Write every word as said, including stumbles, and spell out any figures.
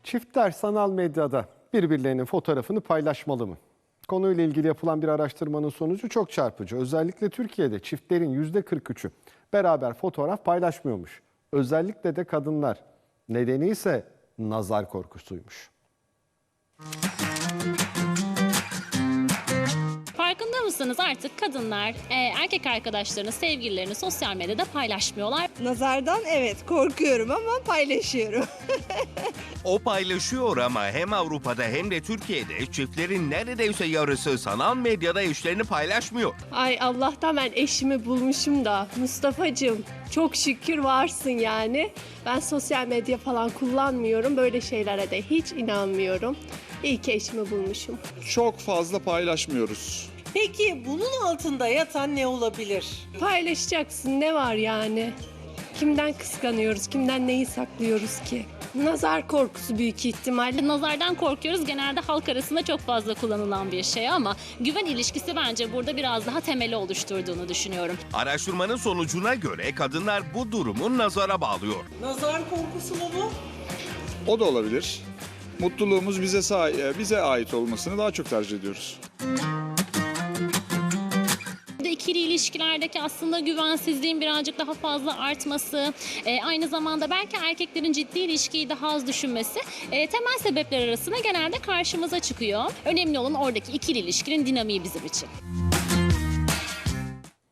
Çiftler sanal medyada birbirlerinin fotoğrafını paylaşmalı mı? Konuyla ilgili yapılan bir araştırmanın sonucu çok çarpıcı. Özellikle Türkiye'de çiftlerin yüzde kırk üçü beraber fotoğraf paylaşmıyormuş. Özellikle de kadınlar. Nedeni ise nazar korkusuymuş. Farkında mısınız, artık kadınlar e, erkek arkadaşlarını, sevgililerini sosyal medyada paylaşmıyorlar. Nazardan evet korkuyorum ama paylaşıyorum. O paylaşıyor ama hem Avrupa'da hem de Türkiye'de çiftlerin neredeyse yarısı sanal medyada eşlerini paylaşmıyor. Ay Allah'tan ben eşimi bulmuşum da Mustafa'cığım çok şükür varsın yani. Ben sosyal medya falan kullanmıyorum. Böyle şeylere de hiç inanmıyorum. İyi ki eşimi bulmuşum. Çok fazla paylaşmıyoruz. Peki bunun altında yatan ne olabilir? Paylaşacaksın, ne var yani? Kimden kıskanıyoruz, kimden neyi saklıyoruz ki? Nazar korkusu büyük ihtimalle. Nazardan korkuyoruz, genelde halk arasında çok fazla kullanılan bir şey ama güven ilişkisi bence burada biraz daha temeli oluşturduğunu düşünüyorum. Araştırmanın sonucuna göre kadınlar bu durumu nazara bağlıyor. Nazar korkusu mu bu? O da olabilir. Mutluluğumuz bize sa- bize ait olmasını daha çok tercih ediyoruz. İkili ilişkilerdeki aslında güvensizliğin birazcık daha fazla artması, e, aynı zamanda belki erkeklerin ciddi ilişkiyi daha az düşünmesi e, temel sebepler arasında genelde karşımıza çıkıyor. Önemli olan oradaki ikili ilişkinin dinamiği bizim için.